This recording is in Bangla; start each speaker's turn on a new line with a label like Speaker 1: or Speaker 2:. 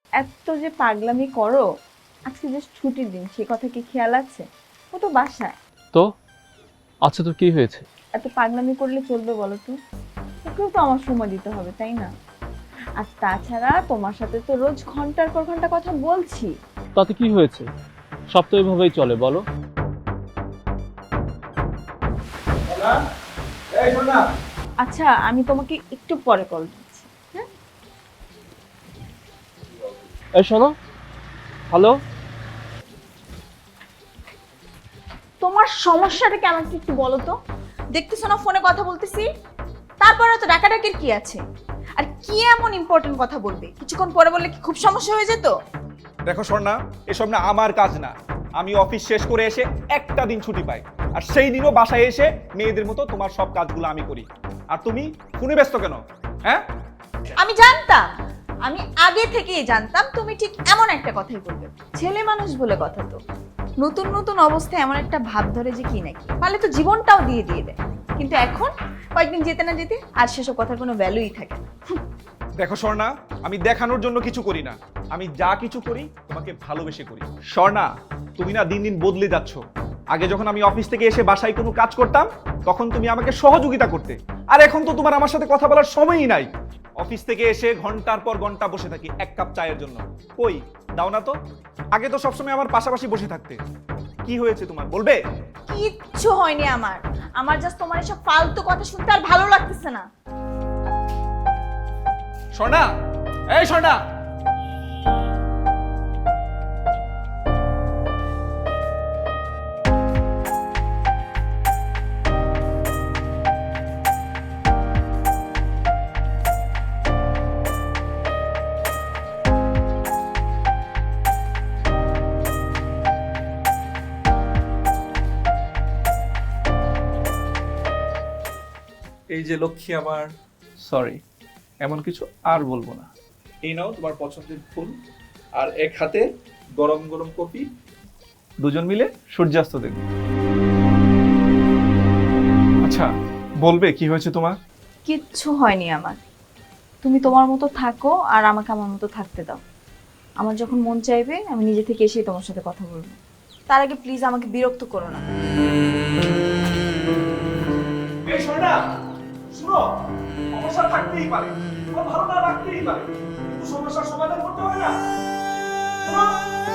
Speaker 1: এত যে পাগলামি করো, আজকে জাস্ট ছুটির দিন, সে কথা কি খেয়াল আছে? ও তো বাসায়।
Speaker 2: তো আচ্ছা, তো কি হয়েছে?
Speaker 1: এত পাগলামি করলে চলবে বলো তো? ওকেও তো আমার সময় দিতে হবে, তাই না? আর তাছাড়া তোমার সাথে তো রোজ ঘন্টার পর ঘন্টা কথা বলছি।
Speaker 2: তাতে কি হয়েছে? সব তো এভাবেই চলে, বলো।
Speaker 1: আচ্ছা, আমি তোমাকে একটু পরে কল দিচ্ছি। হ্যাঁ,
Speaker 2: এই শোনো। হ্যালো।
Speaker 1: তোমার সমস্যাটা কি আমাকে একটু বলো তো? দেখতেছো না ফোনে কথা বলতেছি? তারপরে তো ডাকাডাকির কি আছে? আর কি এমন ইম্পর্টেন্ট কথা বলবে? কিছুক্ষণ পরে বললে কি খুব সমস্যা হয়ে যেত?
Speaker 3: দেখো স্বর্ণা, এসব না আমার কাজ না। আমি অফিস শেষ করে এসে একটা দিন ছুটি পাই, আর সেই দিনও বাসায় এসে মেয়েদের মতো তোমার সব কাজগুলো আমি করি। আর তুমি ফোনে ব্যস্ত কেন? হ্যাঁ,
Speaker 1: আমি জানতাম, আমি আগে থেকেই জানতাম তুমি ঠিক এমন একটা কথাই বলবে। ছেলে মানুষ বলে কথা তো, নতুন নতুন অবস্থায় এমন একটা ভাব ধরে যে কি নাকি পারলে তো জীবনটাও দিয়ে দিয়ে দেয়। কিন্তু এখন কয়েকদিন যেতে না যেতে আর সেসব কথার কোনো ভ্যালুই থাকে না।
Speaker 3: দেখো স্বর্ণা, আমি দেখানোর জন্য কিছু করি না। আমি যা কিছু করি তোমাকে ভালোবেসে করি। স্বর্ণা, তুমি না দিন দিন বদলে যাচ্ছ। আগে যখন আমি অফিস থেকে এসে বাসায় কোনো কাজ করতাম, তখন তুমি আমাকে সহযোগিতা করতে। আর এখন তো তোমার আমার সাথে কথা বলার সময়ই নাই। অফিস থেকে এসে ঘন্টার পর ঘন্টা বসে থাকি এক কাপ চায়ের জন্য। কই, দাও না তো। আগে তো সবসময় আমার পাশাপাশি বসে থাকতে। কি হয়েছে তোমার, বলবে?
Speaker 1: কিচ্ছু হয়নি আমার। আমার জাস্ট তোমার এসব ফালতু কথা শুনতে আর ভালো লাগতেছে না।
Speaker 3: স্বর্ণা, এই স্বর্ণা। এই যে লক্ষ্মী আমার, সরি, এমন কিছু আর বলবো না। এই নাও তোমার পছন্দের ফুল, আর এক হাতে গরম গরম কফি। দুজন মিলে সূর্যাস্ত দেখব। আচ্ছা, বলবে কি হয়েছে তোমার?
Speaker 1: কিচ্ছু হয়নি আমার। তুমি তোমার মতো থাকো আর আমাকে আমার মতো থাকতে দাও। আমার যখন মন চাইবে আমি নিজে থেকে এসেই তোমার সাথে কথা বলবো। তার আগে প্লিজ আমাকে বিরক্ত করো না।
Speaker 3: এই সোনা, শুনো, সমস্যা থাকতেই পারে, তোমার ভালো না লাগতেই পারে, কিন্তু সমস্যার সমাধান করতে হয় না? শোনো,